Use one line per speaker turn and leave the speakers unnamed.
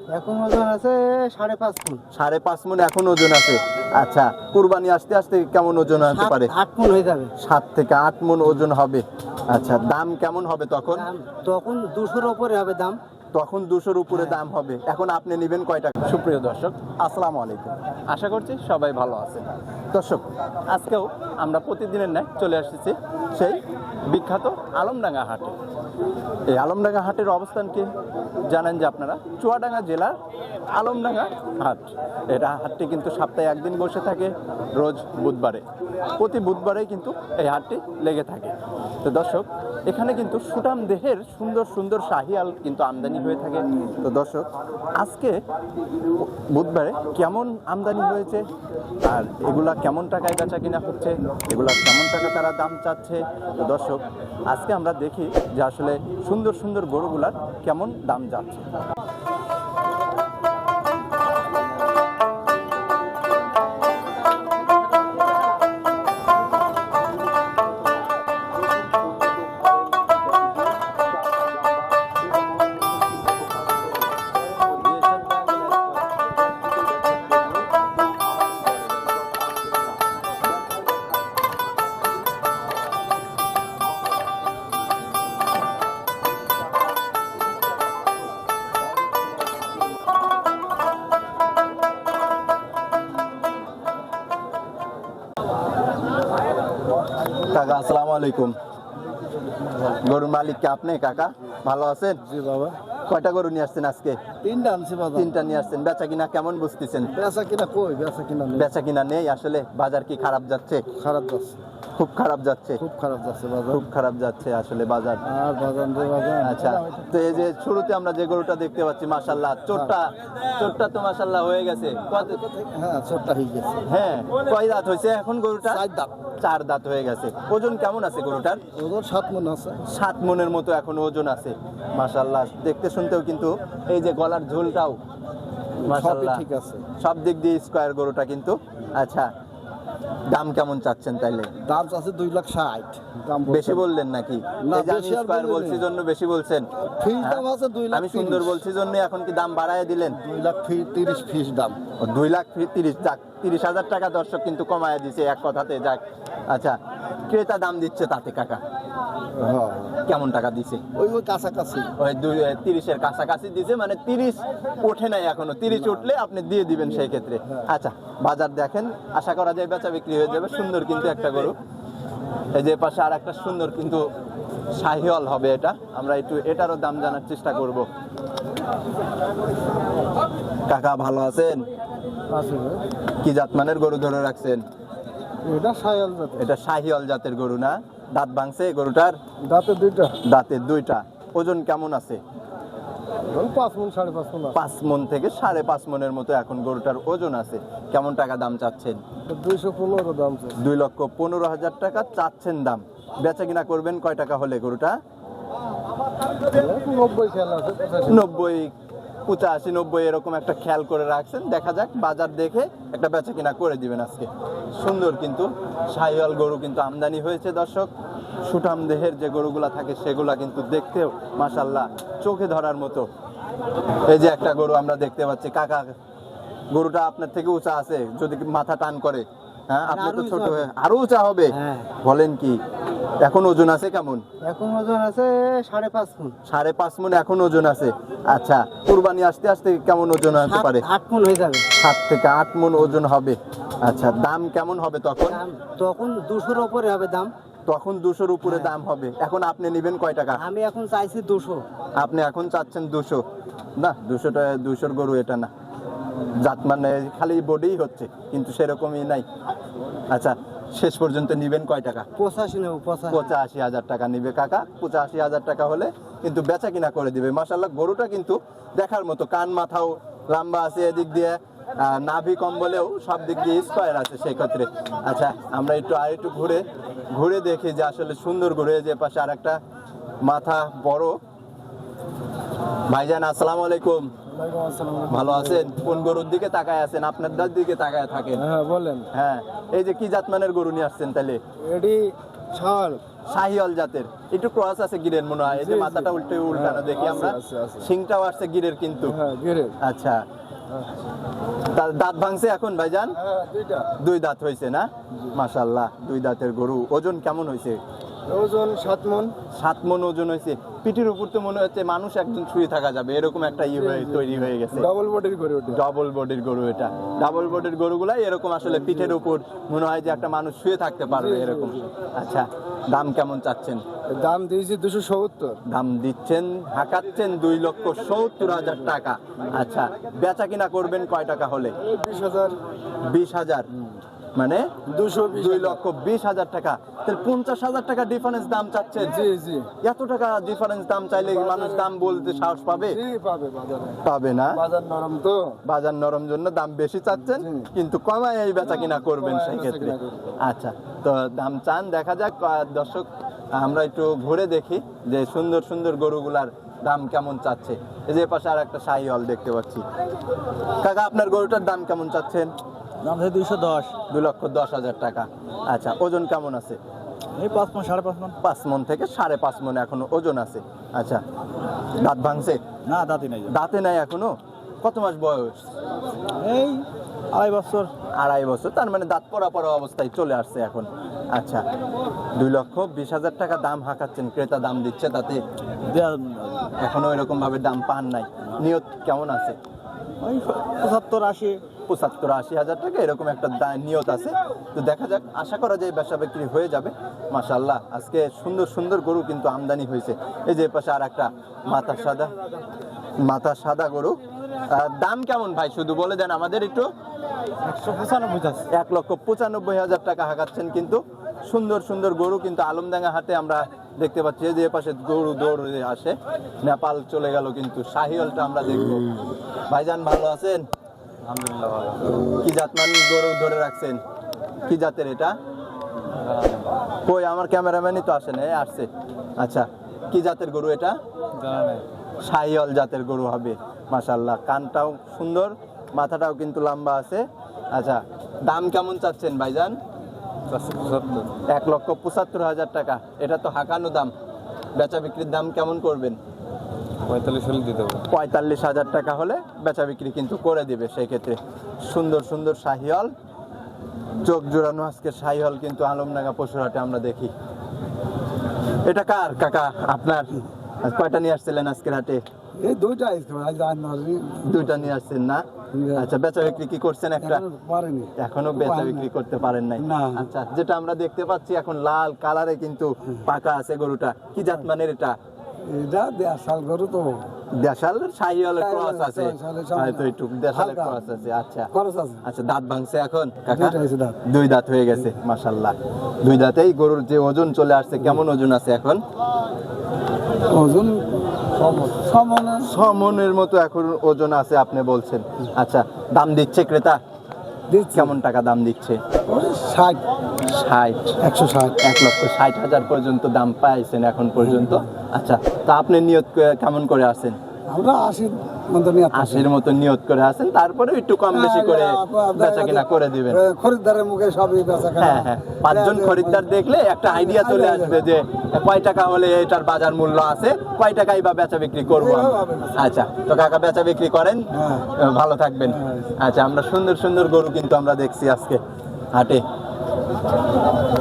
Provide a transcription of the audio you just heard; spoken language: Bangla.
এখন ওজন আছে 5.5 মণ।
5.5 মণ এখন ওজন আছে। আচ্ছা, কুরবানি আসতে আসতে কেমন ওজন হতে পারে?
8 মণ হয়ে যাবে।
7 থেকে 8 মণ ওজন হবে। আচ্ছা, দাম কেমন হবে তখন?
তখন 200-র উপরে হবে দাম।
তখন 200-র উপরে দাম হবে। এখন আপনি নেবেন কয় টাকা? সুপ্রিয় দর্শক, আসসালামু আলাইকুম। আশা করছি সবাই ভালো আছেন। দর্শক, আজকেও আমরা প্রতিদিনের ন্যায় চলে এসেছি সেই বিখ্যাত আলমডাঙ্গা হাটে। এই আলমডাঙ্গা হাটের অবস্থান কি জানেন যে আপনারা? চুয়াডাঙ্গা জেলার আলমডাঙ্গা হাট। এটা হাটটি কিন্তু সপ্তাহে একদিন বসে থাকে, রোজ বুধবারে। প্রতি বুধবারেই কিন্তু এই হাটটি লেগে থাকে। তো দর্শক, এখানে কিন্তু সুঠাম দেহের সুন্দর সুন্দর শাহিয়াল কিন্তু আমদানি হয়ে থাকে। তো দর্শক, আজকে বুধবারে কেমন আমদানি হয়েছে আর এগুলা কেমন টাকায় বেচা কিনা হচ্ছে, এগুলা কেমন টাকা তারা দাম চাচ্ছে। তো দর্শক, আজকে আমরা দেখি যে আসলে সুন্দর সুন্দর গরুগুলার কেমন দাম যাচ্ছে। কাকা, আসসালামু আলাইকুম। গরুর মালিক কে আপনি? কাকা ভালো আছেন?
জি বাবা।
কয়টা গরু নিয়ে আসছেন আজকে?
3টা আনছি বাবা।
3টা নিয়ে আসছেন। বেচা কিনা কেমন বুঝতেছেন?
বেচা কিনা কই? বেচা কিনা নেই।
বেচা কিনা নেই আসলে। বাজার কি খারাপ যাচ্ছে?
খারাপ যাচ্ছে।
খুব খারাপ যাচ্ছে।
খুব খারাপ যাচ্ছে বাজার।
খুব খারাপ যাচ্ছে আসলে বাজার।
আর বাজার রে বাজার।
আচ্ছা, তো এই যে শুরুতে আমরা যে গরুটা দেখতে পাচ্ছি, মাশাআল্লাহ, চোরটা তো মাশাআল্লাহ হয়ে গেছে।
হ্যাঁ, ছোটটা হয়ে গেছে।
হ্যাঁ, কয় দাঁত হয়েছে এখন গরুটা?
4 দাঁত।
4 দাঁত হয়ে গেছে। ওজন কেমন আছে গরুটার?
ওজন 7 মণ আছে।
7 মণের মতো এখন ওজন আছে। মাশাআল্লাহ, দেখতে শুনতেও কিন্তু এই যে গলার ঝোলটাও মাশাআল্লাহ
ঠিক আছে।
সব দিক দিয়ে স্কয়ার গরুটা কিন্তু। আচ্ছা, দাম কেমন চাচ্ছেন তাইলে?
দাম আছে 2,60,000। দাম
বেশি বললেন নাকি?
না,
এই যে আমি
বেশি আর
স্কয়ার
বলিনি।
বলছি জন্য বেশি বলছেন।
ফিস দাম আছে 2,30,000।
আমি সুন্দর বলছি জন্য এখন কি দাম বাড়ায় দিলেন?
2,30,000 ফিস দাম।
2,30,000। যাক, 30,000 টাকা দর্শক কিন্তু কমায় দিছে এক কথাতে। যাক, আচ্ছা, ক্রেতা দাম দিচ্ছে তাতে কাকা
হ্যাঁ,
কেমন টাকা দিছে?
ওই কাছাকাছি।
ওই 30-এর কাছাকাছি দিছে, মানে 30 ওঠে নাই এখনো। 30 উঠলে আপনি দিয়ে দিবেন সেই ক্ষেত্রে। আচ্ছা, বাজার দেখেন, আশা করা যায় বেচা বিক্রি হয়ে যাবে। সুন্দর কিন্তু একটা গরু। এই যে পাশে আর একটা সুন্দর কিন্তু শাহিওয়াল হবে এটা। আমরা একটু এটারও দাম জানার চেষ্টা করব। কাকা ভালো আছেন?
আছে ভাই।
কি জাতমানের গরু ধরে রাখছেন?
এটা শায়াল জাত।
এটা শাহিওয়াল জাতের গরু না? দাঁত ভাঙছে গরুটার?
দাঁতে 2টা।
দাঁতের 2টা। ওজন কেমন আছে?
5 মণ 5.5 মণ।
5 মণ থেকে 5.5 মণের মতো এখন গরুটার ওজন আছে। কেমন টাকা দাম চাচ্ছেন?
215 দাম আছে।
2,15,000 টাকা চাচ্ছেন দাম। বেচা কিনা করবেন কয় টাকা হলে গরুটা?
90 খেয়াল আছে।
90, 85, 90 এরকম একটা খেয়াল করে রাখছেন। দেখা যাক, বাজার দেখে একটা বেচা কিনা করে দিবেন আজকে। সুন্দর কিন্তু শাহিওয়াল গরু কিন্তু আমদানি হয়েছে দর্শক। সুঠাম দেহের যে গরুগুলা থাকে সেগুলা কিন্তু দেখতেও মাশাআল্লাহ চোখে ধরার মতো। এই যে একটা গরু আমরা দেখতে পাচ্ছি। কাকা, গরুটা আপনার থেকে উঁচা আছে যদি মাথা টান করে? হ্যাঁ, আপনি তো ছোট হয়ে আরো উঁচা হবে।
হ্যাঁ।
বলেন কি? এখন ওজন আছে কেমন?
এখন ওজন আছে 5.5 মণ।
5.5 মণ এখন ওজন আছে। আচ্ছা, কুরবানি আসতে আসতে কেমন ওজন হতে পারে?
8 মণ হয়ে যাবে।
7 থেকে 8 মণ ওজন হবে। আচ্ছা, দাম কেমন হবে তখন?
তখন 200-র উপরে হবে দাম।
তখন 200-র উপরে দাম হবে। এখন আপনি নেবেন কয় টাকা?
আমি এখন চাইছি 200।
আপনি এখন চাচ্ছেন 200? না, 200-র গরু এটা না। জাত মানে খালি বডি হচ্ছে, কিন্তু সেরকমই নাই। আচ্ছা, শেষ পর্যন্ত নিবেন কয় টাকা?
85 নেব।
85,000 টাকা নিবে কাকা। 85,000 টাকা হলে কিন্তু বেচা কিনা করে দিবে। মাশাআল্লাহ, গরুটা কিন্তু দেখার মতো। কান মাথাও লম্বা আছে এদিক দিয়ে, নাভি কম্বলেও সব দিক দিয়ে স্কয়ার আছে সেই ক্ষেত্রে। আচ্ছা, আমরা একটু ঘুরে দেখি যে আসলে সুন্দর গরু। এই যে পাশে আর একটা মাথা বড়। ভাইজান, আসসালামু আলাইকুম। ভালো আছেন? কোন গরুর দিকে তাকায় আছেন? আপনার দিকে তাকায় থাকেন।
হ্যাঁ, বলেন।
হ্যাঁ, এই যে কি জাতমানের গরু নিয়ে আসছেন তাহলে?
এডি
শাহিওয়াল জাতের একটু ক্রস আছে গিরের মনে হয়, এই যে মাথাটা উল্টানো দেখি আমরা, শিংটাও আসছে গিরের কিন্তু। আচ্ছা, দাঁত ভাঙছে এখন ভাইজান? দুই দাঁত হয়েছে না? মাশাআল্লাহ, দুই দাঁতের গরু। ওজন কেমন হয়েছে?
ওজন 7 মণ।
7 মণ ওজন হয়েছে। পিঠের উপর তো মনে হচ্ছে মানুষ একজন শুয়ে থাকা যাবে, এরকম একটা তৈরি হয়ে গেছে।
ডাবল বডির গরু ওটা।
ডাবল বডির গরু এটা। ডাবল বডির গরুগুলাই এরকম আসলে পিঠের উপর মনে হয় যে একটা মানুষ শুয়ে থাকতে পারবে এরকম। আচ্ছা, দাম কেমন চাচ্ছেন?
দাম দিয়েছি 270।
দাম দিচ্ছেন, হাঁকাচ্ছেন 2,70,000 টাকা। আচ্ছা, বেচা কিনা করবেন কয় টাকা হলে?
20,000।
20,000 মানে
220,000
টাকা। তাহলে 50,000 টাকা ডিফারেন্স দাম চাচ্ছেন?
জি জি
এত টাকা ডিফারেন্স দাম চাইলে মানুষ দাম বলতে সাহস পাবে?
জি পাবে বাজারে।
পাবে না,
বাজার নরম তো।
বাজার নরম জন্য দাম বেশি চাচ্ছেন, কিন্তু কমায় এই বেচা কিনা করবেন সেই ক্ষেত্রে। আচ্ছা, তো দাম চান, দেখা যাক। দর্শক, আমরা একটু ঘুরে দেখি যে সুন্দর সুন্দর গরুগুলার দাম কেমন চাচ্ছে। এই যে পাশে আর একটা শাহিওয়াল দেখতে পাচ্ছি। কাকা, আপনার গরুটার দাম কেমন চাচ্ছেন?
দাম আছে 210।
2,10,000 টাকা। আচ্ছা, ওজন কেমন আছে?
এই 5 মণ 5.5 মণ।
5 মণ থেকে 5.5 মণ এখনো ওজন আছে। আচ্ছা, দাঁত ভাঙছে?
না, দাঁতই নাই।
দাঁতে নাই এখনো? কত মাস বয়স?
এই 2.5 বছর।
2.5 বছর, তার মানে দাঁত পড়া অবস্থায় চলে আসছে এখন। আচ্ছা, 2,20,000 টাকা দাম হাঁকাচ্ছেন, ক্রেতা দাম দিচ্ছে, তাতে এখনো এরকম ভাবে দাম পান নাই। নিয়ত কেমন আছে?
ওই 75-80।
75-80,000 টাকা এরকম একটা নিয়ত আছে। তো দেখা যাক, আশা করা যায় বেচা বিক্রি হয়ে যাবে। মাশাআল্লাহ, আজকে সুন্দর সুন্দর গরু কিন্তু আমদানি হয়েছে। এই যে পাশে আর একটা মাথা সাদা গরু। দাম কেমন ভাই শুধু বলে দেন আমাদের একটু। 1,95,000 টাকা হাঁকাচ্ছেন কিন্তু। সুন্দর সুন্দর গরু কিন্তু আলমডাঙ্গা হাটে আমরা দেখতে পাচ্ছি। এই যে পাশে গরু দৌড়ে আসে, নেপাল চলে গেল কিন্তু। শাহিওয়ালটা আমরা দেখবো। ভাইজান ভালো আছেন?
আলহামদুলিল্লাহ ভালো।
কি জাতমান গরু ধরে রাখছেন? কি জাতের এটা? কই আমার ক্যামেরাম্যানই তো আসে না, আসছে। আচ্ছা, কি জাতের গরু এটা?
জানা নাই।
শাহিওয়াল জাতের গরু হবে। মাশাআল্লাহ, কানটাও সুন্দর, মাথাটাও কিন্তু লম্বা আছে। আচ্ছা, দাম কেমন চাচ্ছেন ভাইজান? 1,75,000 টাকা। এটা তো হাঁকানো দাম। বেচা বিক্রির দাম কেমন করবেন?
45 দিতে হবে।
45,000 টাকা হলে বেচা বিক্রি কিন্তু করে দিবে সেই ক্ষেত্রে। সুন্দর সুন্দর শাহিওয়াল, চোখ জোড়ানো আজকে শাহিওয়াল কিন্তু আলমডাঙ্গা পশুরহাটে আমরা দেখি। এটা কার কাকা? আপনার? কয়টা নিয়ে আসছিলেন আজকের হাটে?
এই দুইটা আজ আনছি।
দুইটা নিয়ে আসছেন না? আচ্ছা, বেচা বিক্রি কি করছেন একটা?
পারেনি।
এখনো বেচা বিক্রি করতে পারেন নাই?
না।
আচ্ছা, যেটা আমরা দেখতে পাচ্ছি এখন লাল কালারে কিন্তু পাকা আছে গরুটা। কি জাত মানের এটা?
এটা দেশাল গরু তো।
দেশাল শাহিওয়ালের ক্রস আছে,
শাহিওয়ালের
হয়তো একটু দেশালের
হালকা।
ক্রস আছে। আচ্ছা
খরচ আছে।
আচ্ছা, দাঁত ভাঙছে এখন কাকা?
দুইটা হয়েছে দাঁত।
2 দাঁত হয়ে গেছে। মাশাআল্লাহ, 2 দাঁতেই গরুর যে ওজন চলে আসছে। কেমন ওজন আছে এখন?
ওজন
6 মণের মতো এখন ওজন আছে আপনি বলছেন। আচ্ছা, দাম দিচ্ছে ক্রেতা কেমন টাকা দাম দিচ্ছে?
60
60
160
1,60,000 পর্যন্ত দাম পাইছেন এখন পর্যন্ত। আচ্ছা, তা আপনি নিয়ত কেমন করে আছেন?
আমরা 80 মতো নিয়ে
80-র মতো নিয়ত করে আছেন, তারপরে একটু কম বেশি করে বেচা কিনা করে দিবেন।
খরিদ্দারের মুখে সবই বেচা কেনা।
হ্যাঁ হ্যাঁ, 5 জন খরিদ্দার দেখলে একটা আইডিয়া চলে আসবে যে কয় টাকা হলে এটার বাজার মূল্য আছে, কয় টাকাই বা বেচা বিক্রি করবো আমরা। আচ্ছা, তো কাকা বেচা বিক্রি করেন, ভালো থাকবেন। আচ্ছা, আমরা সুন্দর সুন্দর গরু কিন্তু আমরা দেখছি আজকে হাটে।